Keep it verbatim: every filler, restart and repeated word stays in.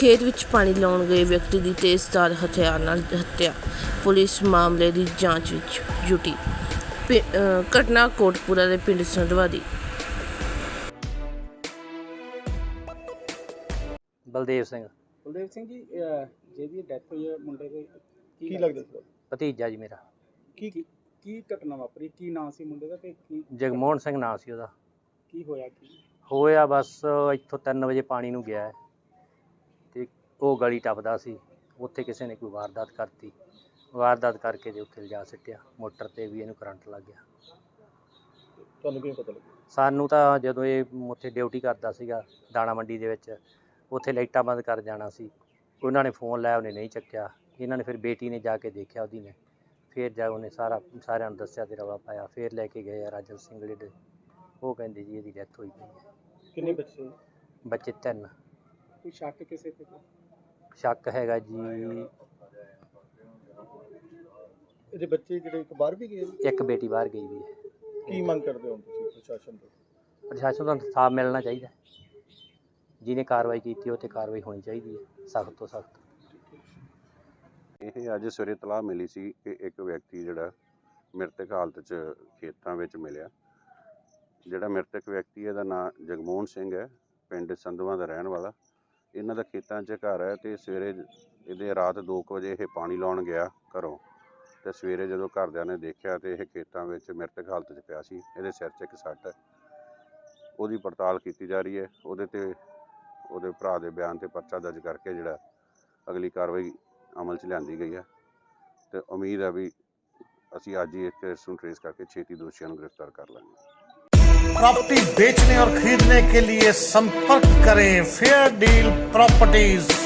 खेत विच पानी लाउण गए व्यक्ति की तेज़धार हथियार नाल हत्या। पुलिस मामले की जांच विच जुटी। पि- अ, घटना कोटपुरा के पिंड संधवा दी। बलदेव सिंह ਬਲਦੇਵ ਸਿੰਘ ਜੀ ਅਹ ਜਿਹਦੀ ਡੈਥ ਹੋਈ ਹੈ ਮੁੰਡੇ ਦੇ ਕੀ ਕੀ ਲੱਗਦਾ ਸੀ? भतीजा जी मेरा ਕੀ ਕੀ ਕੀ ਘਟਨਾ ਵਾਪਰੀ? ਕੀ ਨਾਂ ਸੀ ਮੁੰਡੇ ਦਾ ਤੇ ਕੀ जगमोहन सिंह नाम ਸੀ ਉਹਦਾ। ਕੀ ਹੋਇਆ ਕੀ? ਹੋਇਆ ਬਸ ਇੱਥੋਂ ਤਿੰਨ ਵਜੇ ਪਾਣੀ ਨੂੰ ਗਿਆ ਹੈ ਤੇ ਉਹ ਗਲੀ ਟੱਪਦਾ ਸੀ, ਉੱਥੇ ਕਿਸੇ ਨੇ ਕੋਈ ਵਾਰਦਾਤ ਕਰਤੀ। ਵਾਰਦਾਤ ਕਰਕੇ ਤੇ ਉੱਥੇ ਲਿਜਾ ਸਿੱਟਿਆ ਮੋਟਰ ਤੇ ਵੀ ਇਹਨੂੰ ਕਰੰਟ ਲੱਗ ਗਿਆ। ਤੁਹਾਨੂੰ ਕਿਵੇਂ ਪਤਾ ਲੱਗਿਆ? ਸਾਨੂੰ ਤਾਂ ਜਦੋਂ ਇਹ ਉੱਥੇ ਡਿਊਟੀ ਕਰਦਾ ਸੀਗਾ ਦਾਣਾ ਮੰਡੀ ਦੇ ਵਿੱਚ, ਉੱਥੇ ਲਾਈਟਾਂ ਬੰਦ ਕਰ ਜਾਣਾ ਸੀ, ਉਹਨਾਂ ਨੇ ਫੋਨ ਲਾਇਆ, ਉਹਨੇ ਨਹੀਂ ਚੱਕਿਆ। ਇਹਨਾਂ ਨੇ ਫਿਰ ਬੇਟੀ ਨੇ ਜਾ ਕੇ ਦੇਖਿਆ ਉਹਦੀ ਨੇ, ਫਿਰ ਜਾ ਉਹਨੇ ਸਾਰਾ ਸਾਰਿਆਂ ਨੂੰ ਦੱਸਿਆ ਤੇ ਰੌਲਾ ਪਾਇਆ। ਫਿਰ ਲੈ ਕੇ ਗਏ ਆ ਰਾਜਨ ਸਿੰਘਲੇ ਦੇ, ਉਹ ਕਹਿੰਦੇ ਜੀ ਇਹਦੀ ਡੈਥ ਹੋਈ ਪਈ ਹੈ। ਕਿੰਨੇ ਬੱਚੇ? ਬੱਚੇ ਤਿੰਨ। ਕੋਈ ਸ਼ੱਕ ਕਿਸੇ ਤੇ? ਸ਼ੱਕ ਹੈਗਾ ਜੀ, ਇਹਦੇ ਬੱਚੇ ਜਿਹੜੇ ਇੱਕ ਬਾਹਰ ਵੀ ਗਏ ਨੇ? ਇੱਕ ਬੇਟੀ ਬਾਹਰ ਗਈ ਵੀ ਹੈ। ਕੀ ਮੰਗ ਕਰਦੇ ਹੋ ਤੁਸੀਂ ਪ੍ਰਸ਼ਾਸਨ ਤੋਂ? ਪ੍ਰਸ਼ਾਸਨ ਨੂੰ ਇਨਸਾਫ ਮਿਲਣਾ ਚਾਹੀਦਾ, ਜਿਹਨੇ ਕਾਰਵਾਈ ਕੀਤੀ ਉਹ 'ਤੇ ਕਾਰਵਾਈ ਹੋਣੀ ਚਾਹੀਦੀ ਹੈ, ਸਖਤ ਤੋਂ ਸਖਤ। ਇਹ ਅੱਜ ਸਵੇਰੇ ਤਲਾਹ ਮਿਲੀ ਸੀ ਕਿ ਇੱਕ ਵਿਅਕਤੀ ਜਿਹੜਾ ਮ੍ਰਿਤਕ ਹਾਲਤ 'ਚ ਖੇਤਾਂ ਵਿੱਚ ਮਿਲਿਆ। ਜਿਹੜਾ ਮ੍ਰਿਤਕ ਵਿਅਕਤੀ ਇਹਦਾ ਨਾਂ ਜਗਮੋਹਨ ਸਿੰਘ ਹੈ, ਪਿੰਡ ਸੰਧਵਾ ਦਾ ਰਹਿਣ ਵਾਲਾ। ਇਹਨਾਂ ਦਾ ਖੇਤਾਂ 'ਚ ਘਰ ਹੈ ਤੇ ਸਵੇਰੇ ਇਹਦੇ ਰਾਤ ਦੋ ਕੁ ਵਜੇ ਇਹ ਪਾਣੀ ਲਾਉਣ ਗਿਆ ਘਰੋਂ, ਤੇ ਸਵੇਰੇ ਜਦੋਂ ਘਰਦਿਆਂ ਨੇ ਦੇਖਿਆ ਤੇ ਇਹ ਖੇਤਾਂ ਵਿੱਚ ਮ੍ਰਿਤਕ ਹਾਲਤ 'ਚ ਪਿਆ ਸੀ। ਇਹਦੇ ਸਿਰ 'ਚ ਇੱਕ ਸੱਟ ਹੈ, ਉਹਦੀ ਪੜਤਾਲ ਕੀਤੀ ਜਾ ਰਹੀ ਹੈ। ਉਹਦੇ ਤੇ ਉਹਦੇ ਭਰਾ ਦੇ ਬਿਆਨ ਤੇ ਪਰਚਾ ਦਰਜ ਕਰਕੇ ਜਿਹੜਾ ਅਗਲੀ ਕਾਰਵਾਈ ਅਮਲ 'ਚ ਲਿਆਂਦੀ ਗਈ ਹੈ ਤੇ ਉਮੀਦ ਹੈ ਵੀ ਅਸੀਂ ਅੱਜ ਹੀ ਇਸ ਕੇਸ ਨੂੰ ਟ੍ਰੇਸ ਕਰਕੇ ਛੇਤੀ ਦੋਸ਼ੀਆਂ ਨੂੰ ਗ੍ਰਿਫਤਾਰ ਕਰ ਲਾਂਗੇ। प्रॉपर्टी बेचने और खरीदने के लिए संपर्क करें फेयर डील प्रॉपर्टीज।